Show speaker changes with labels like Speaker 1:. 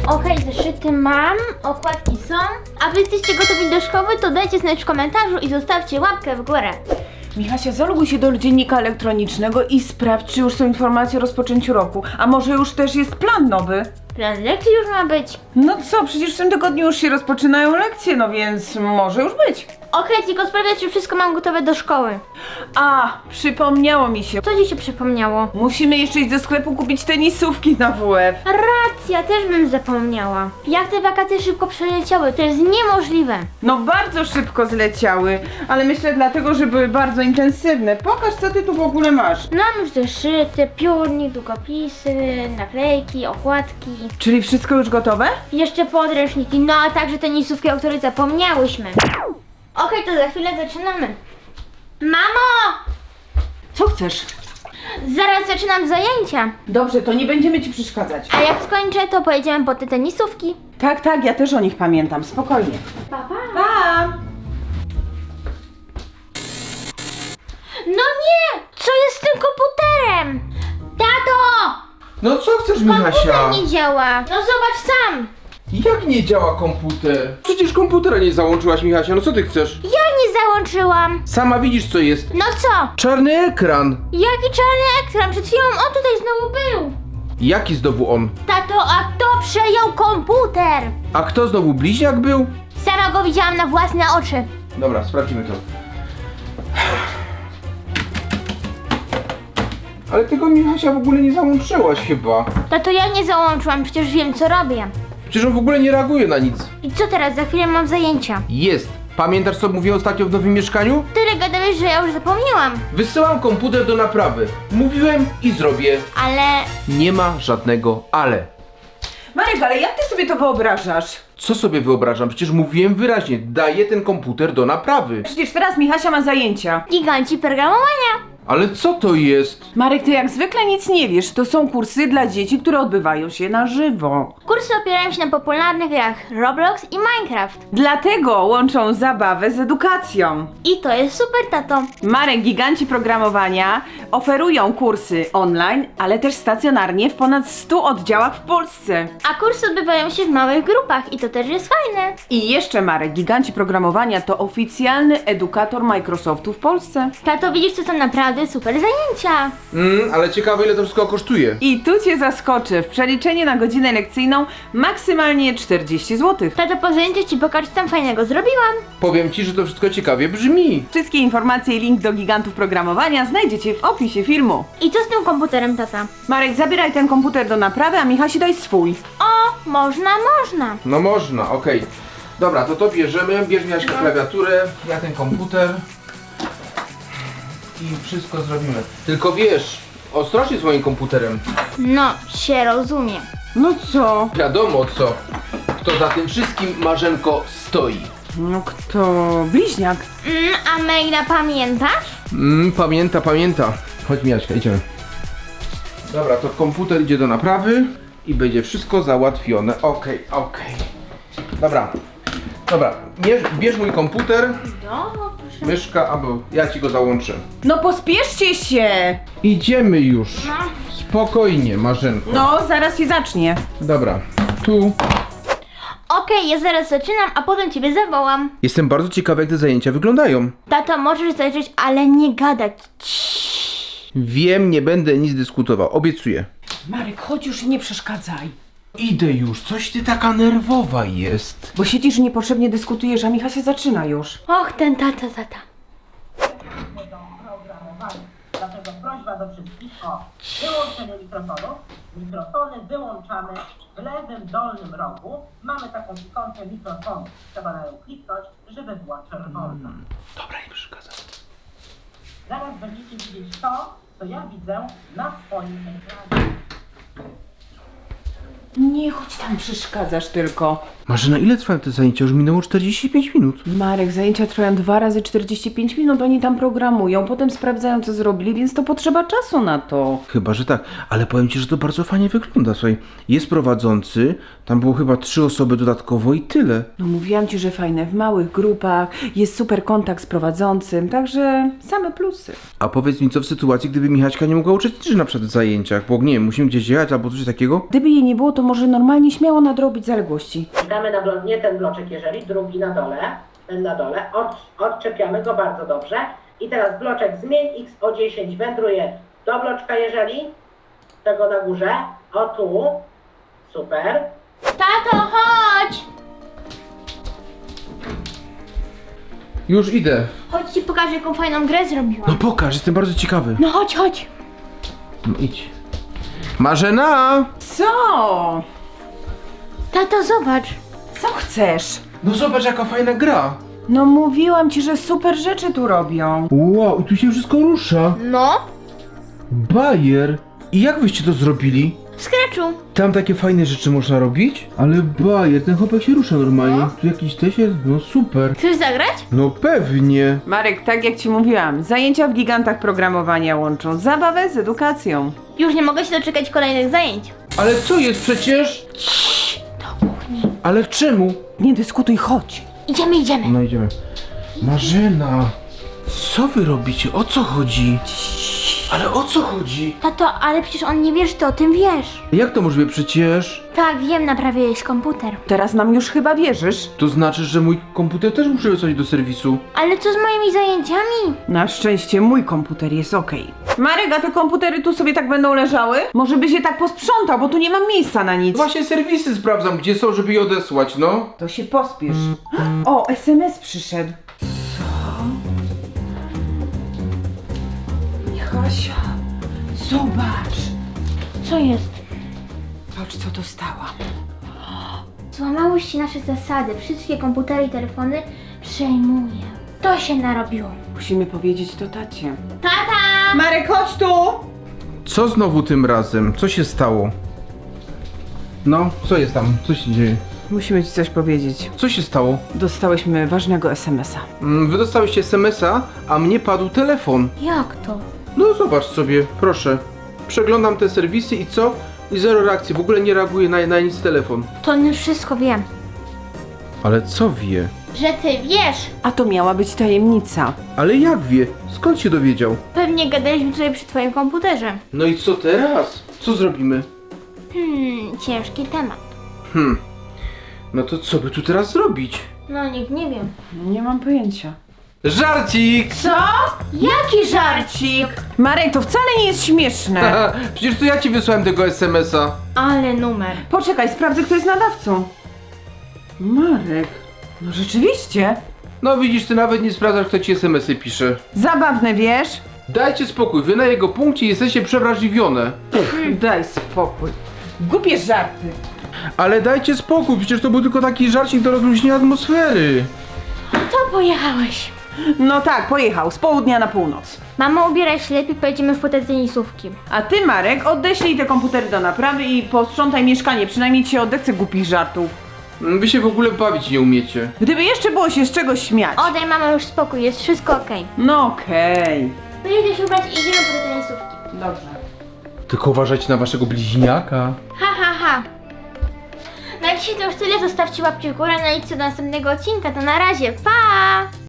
Speaker 1: Okej, zeszyty mam, okładki są. A wy jesteście gotowi do szkoły, to dajcie znać w komentarzu i zostawcie łapkę w górę.
Speaker 2: Michasia, zaloguj się do dziennika elektronicznego i sprawdź, czy już są informacje o rozpoczęciu roku. A może już też jest plan nowy?
Speaker 1: Plan lekcji już ma być.
Speaker 2: No co, przecież w tym tygodniu już się rozpoczynają lekcje, no więc może już być.
Speaker 1: Okej, tylko sprawdzać, czy wszystko mam gotowe do szkoły.
Speaker 2: A, przypomniało mi się.
Speaker 1: Co ci się przypomniało?
Speaker 2: Musimy jeszcze iść do sklepu kupić tenisówki na WF.
Speaker 1: Racja, też bym zapomniała. Jak te wakacje szybko przeleciały, to jest niemożliwe.
Speaker 2: No bardzo szybko zleciały, ale myślę dlatego, że były bardzo intensywne. Pokaż, co ty tu w ogóle masz.
Speaker 1: Mam już zeszyty, piórnik, długopisy, naklejki, okładki.
Speaker 2: Czyli wszystko już gotowe?
Speaker 1: Jeszcze podręczniki, no a także tenisówki, o których zapomniałyśmy. Okej, to za chwilę zaczynamy. Mamo!
Speaker 2: Co chcesz?
Speaker 1: Zaraz zaczynam zajęcia.
Speaker 2: Dobrze, to nie będziemy ci przeszkadzać.
Speaker 1: A jak skończę, to pojedziemy po te tenisówki.
Speaker 2: Tak, tak, ja też o nich pamiętam, spokojnie.
Speaker 1: Pa, pa.
Speaker 2: Pa!
Speaker 1: No nie! Co jest z tym komputerem? Tato!
Speaker 3: No co chcesz, Michasia?
Speaker 1: Komputer nie działa. No zobacz sam.
Speaker 3: Jak nie działa komputer? Przecież komputera nie załączyłaś, Michasia, no co ty chcesz?
Speaker 1: Ja nie załączyłam.
Speaker 3: Sama widzisz, co jest.
Speaker 1: No co?
Speaker 3: Czarny ekran.
Speaker 1: Jaki czarny ekran? Przed chwilą on tutaj znowu był.
Speaker 3: Jaki znowu on?
Speaker 1: Tato, a kto przejął komputer?
Speaker 3: A kto znowu bliźniak był?
Speaker 1: Sama go widziałam na własne oczy.
Speaker 3: Dobra, sprawdzimy to. Ale tego, Michasia, w ogóle nie załączyłaś chyba.
Speaker 1: Tato, ja nie załączyłam, przecież wiem co robię.
Speaker 3: Przecież on w ogóle nie reaguje na nic.
Speaker 1: I co teraz? Za chwilę mam zajęcia.
Speaker 3: Jest. Pamiętasz, co mówiłem ostatnio w nowym mieszkaniu?
Speaker 1: Tyle gadałeś, że ja już zapomniałam.
Speaker 3: Wysyłam komputer do naprawy. Mówiłem i zrobię.
Speaker 1: Ale...
Speaker 3: Nie ma żadnego ale.
Speaker 2: Marek, ale jak ty sobie to wyobrażasz?
Speaker 3: Co sobie wyobrażam? Przecież mówiłem wyraźnie, daję ten komputer do naprawy.
Speaker 2: Przecież teraz Michasia ma zajęcia.
Speaker 1: Giganci programowania.
Speaker 3: Ale co to jest?
Speaker 2: Marek, ty jak zwykle nic nie wiesz. To są kursy dla dzieci, które odbywają się na żywo.
Speaker 1: Kursy opierają się na popularnych grach Roblox i Minecraft.
Speaker 2: Dlatego łączą zabawę z edukacją.
Speaker 1: I to jest super, tato.
Speaker 2: Marek, giganci programowania oferują kursy online, ale też stacjonarnie w ponad 100 oddziałach w Polsce.
Speaker 1: A kursy odbywają się w małych grupach i to też jest fajne.
Speaker 2: I jeszcze Marek, giganci programowania to oficjalny edukator Microsoftu w Polsce.
Speaker 1: Tato, widzisz, to są naprawdę super zajęcia.
Speaker 3: Ale ciekawe, ile to wszystko kosztuje.
Speaker 2: I tu cię zaskoczę, w przeliczeniu na godzinę lekcyjną maksymalnie 40 zł.
Speaker 1: Tato, po zajęciach ci pokażę, co tam fajnego zrobiłam.
Speaker 3: Powiem ci, że to wszystko ciekawie brzmi.
Speaker 2: Wszystkie informacje i link do gigantów programowania znajdziecie w opisie filmu.
Speaker 1: I co z tym komputerem, tata?
Speaker 2: Marek, zabieraj ten komputer do naprawy, a Michasi daj swój.
Speaker 1: O, można.
Speaker 3: No można, okej. Dobra, to bierzemy. Bierz Miaśka klawiaturę, ja ten komputer. I wszystko zrobimy. Tylko wiesz, ostrożnie z moim komputerem.
Speaker 1: No, się rozumie.
Speaker 2: No co?
Speaker 3: Wiadomo co. Kto za tym wszystkim, Marzenko, stoi.
Speaker 2: No kto? Bliźniak.
Speaker 1: A maila pamiętasz?
Speaker 3: Pamięta. Chodź, Miaśka, idziemy. Dobra, to komputer idzie do naprawy i będzie wszystko załatwione. Okej. Dobra, bierz mój komputer,
Speaker 1: No, proszę.
Speaker 3: myszka, albo ja ci go załączę.
Speaker 2: No pospieszcie się!
Speaker 3: Idziemy już.
Speaker 1: No.
Speaker 3: Spokojnie, Marzenko.
Speaker 2: No, zaraz się zacznie.
Speaker 3: Dobra, tu.
Speaker 1: Okej, ja zaraz zaczynam, a potem ciebie zawołam.
Speaker 3: Jestem bardzo ciekawy, jak te zajęcia wyglądają.
Speaker 1: Tato, możesz zajrzeć, ale nie gadać.
Speaker 3: Wiem, nie będę nic dyskutował, obiecuję.
Speaker 2: Marek, chodź już i nie przeszkadzaj.
Speaker 3: Idę już, coś ty taka nerwowa jest.
Speaker 2: Bo siedzisz i niepotrzebnie dyskutujesz, a Micha się zaczyna już.
Speaker 1: Och, ten tata.
Speaker 4: Dlatego prośba do wszystkich o wyłączenie mikrofonów. Mikrofony wyłączamy w lewym dolnym rogu. Mamy taką ikonkę mikrofonu. Trzeba na nią kliknąć, żeby była czerwona.
Speaker 3: Dobra, nie przeszkadzam.
Speaker 4: Zaraz będziecie widzieć to, co ja widzę na swoim ekranie.
Speaker 2: Nie, chodź tam, przeszkadzasz tylko.
Speaker 3: Marzena, ile trwają te zajęcia? Już minęło 45 minut.
Speaker 2: Marek, zajęcia trwają 2 razy 45 minut, oni tam programują, potem sprawdzają co zrobili, więc to potrzeba czasu na to.
Speaker 3: Chyba, że tak, ale powiem ci, że to bardzo fajnie wygląda. Słuchaj, jest prowadzący, tam było chyba 3 osoby dodatkowo i tyle.
Speaker 2: No mówiłam ci, że fajne, w małych grupach, jest super kontakt z prowadzącym, także same plusy.
Speaker 3: A powiedz mi, co w sytuacji, gdyby Michaśka nie mogła uczestniczyć na przykład w zajęciach, bo nie wiem, musimy gdzieś jechać albo coś takiego?
Speaker 2: Gdyby jej nie było, to może normalnie śmiało nadrobić zaległości.
Speaker 4: Klikamy na nie ten bloczek, jeżeli drugi na dole, ten na dole, odczepiamy go bardzo dobrze. I teraz bloczek zmień x o 10 wędruje do bloczka, jeżeli tego na górze, o tu, super.
Speaker 1: Tato, chodź!
Speaker 3: Już idę.
Speaker 1: Chodź ci pokażę, jaką fajną grę zrobiłam.
Speaker 3: No pokaż, jestem bardzo ciekawy.
Speaker 1: No chodź, chodź.
Speaker 3: No idź. Marzena!
Speaker 2: Co?
Speaker 1: Tato, zobacz.
Speaker 2: Co chcesz?
Speaker 3: No zobacz, jaka fajna gra.
Speaker 2: No mówiłam ci, że super rzeczy tu robią.
Speaker 3: Wow, i tu się wszystko rusza.
Speaker 1: No,
Speaker 3: Bajer. I jak wyście to zrobili?
Speaker 1: w Scratchu.
Speaker 3: Tam takie fajne rzeczy można robić? Ale bajer, ten chłopak się rusza normalnie.
Speaker 1: No.
Speaker 3: Tu jakiś też jest, no super.
Speaker 1: Chcesz zagrać?
Speaker 3: No pewnie.
Speaker 2: Marek, tak jak ci mówiłam, zajęcia w gigantach programowania łączą zabawę z edukacją.
Speaker 1: Już nie mogę się doczekać kolejnych zajęć.
Speaker 3: Ale co jest przecież?
Speaker 1: Do kuchni.
Speaker 3: Ale czemu?
Speaker 2: Nie dyskutuj, chodź.
Speaker 1: Idziemy, idziemy.
Speaker 3: No idziemy. Marzena. Co wy robicie? O co chodzi? Ale o co chodzi?
Speaker 1: Tato, ale przecież on nie wie, że ty o tym wiesz.
Speaker 3: Jak to możliwe przecież?
Speaker 1: Tak, wiem, naprawiłeś komputer.
Speaker 2: Teraz nam już chyba wierzysz.
Speaker 3: To znaczy, że mój komputer też muszę wysłać do serwisu.
Speaker 1: Ale co z moimi zajęciami?
Speaker 2: Na szczęście mój komputer jest okej. Marek, a te komputery tu sobie tak będą leżały? Może by się tak posprzątał, bo tu nie mam miejsca na nic.
Speaker 3: Właśnie serwisy sprawdzam, gdzie są, żeby je odesłać, no.
Speaker 2: To się pospiesz. O, SMS przyszedł. Michasia, zobacz.
Speaker 1: Co jest?
Speaker 2: Patrz, co dostałam.
Speaker 1: Złamały się nasze zasady. Wszystkie komputery i telefony przejmuję. To się narobiło.
Speaker 2: Musimy powiedzieć to tacie.
Speaker 1: Tata!
Speaker 2: Marek, chodź tu!
Speaker 3: Co znowu tym razem? Co się stało? No, co jest tam? Co się dzieje?
Speaker 2: Musimy ci coś powiedzieć.
Speaker 3: Co się stało?
Speaker 2: Dostałyśmy ważnego SMS-a.
Speaker 3: Wy dostałyście SMS-a, a mnie padł telefon.
Speaker 1: Jak to?
Speaker 3: No zobacz sobie, proszę. Przeglądam te serwisy i co? I zero reakcji, w ogóle nie reaguje na nic telefon.
Speaker 1: To on już wszystko wie.
Speaker 3: Ale co wie?
Speaker 1: Że ty wiesz.
Speaker 2: A to miała być tajemnica.
Speaker 3: Ale jak wie? Skąd się dowiedział?
Speaker 1: Pewnie gadaliśmy tutaj przy twoim komputerze.
Speaker 3: No i co teraz? Co zrobimy?
Speaker 1: Ciężki temat.
Speaker 3: No to co by tu teraz zrobić?
Speaker 1: No nikt nie wie.
Speaker 2: Nie mam pojęcia.
Speaker 3: Żarcik!
Speaker 2: Co?
Speaker 1: Jaki żarcik?
Speaker 2: Marek, to wcale nie jest śmieszne.
Speaker 3: Przecież to ja ci wysłałem tego SMS-a.
Speaker 1: Ale numer.
Speaker 2: Poczekaj, sprawdzę, kto jest nadawcą. Marek, no rzeczywiście.
Speaker 3: No widzisz, ty nawet nie sprawdzasz, kto ci SMS-y pisze.
Speaker 2: Zabawne, wiesz?
Speaker 3: Dajcie spokój, wy na jego punkcie jesteście przewrażliwione.
Speaker 2: Daj spokój. Głupie żarty.
Speaker 3: Ale dajcie spokój, przecież to był tylko taki żarcik do rozluźnienia atmosfery.
Speaker 1: To pojechałeś.
Speaker 2: No tak, pojechał z południa na północ.
Speaker 1: Mamo, ubieraj się lepiej, pojedziemy w te tenisówki.
Speaker 2: A ty, Marek, odeślij te komputery do naprawy i posprzątaj mieszkanie. Przynajmniej ci się odechce głupich żartów.
Speaker 3: Wy się w ogóle bawić nie umiecie.
Speaker 2: Gdyby jeszcze było się z czegoś śmiać.
Speaker 1: Odej, mama, już spokój, jest wszystko okej.
Speaker 2: No okej.
Speaker 1: Pojedziesz się ubrać i idziemy po te tenisówki.
Speaker 2: Dobrze.
Speaker 3: Tylko uważajcie na waszego bliźniaka.
Speaker 1: Ha, ha, ha. Na dzisiaj to już tyle, zostawcie łapki w górę, no i co do następnego odcinka, to na razie, pa!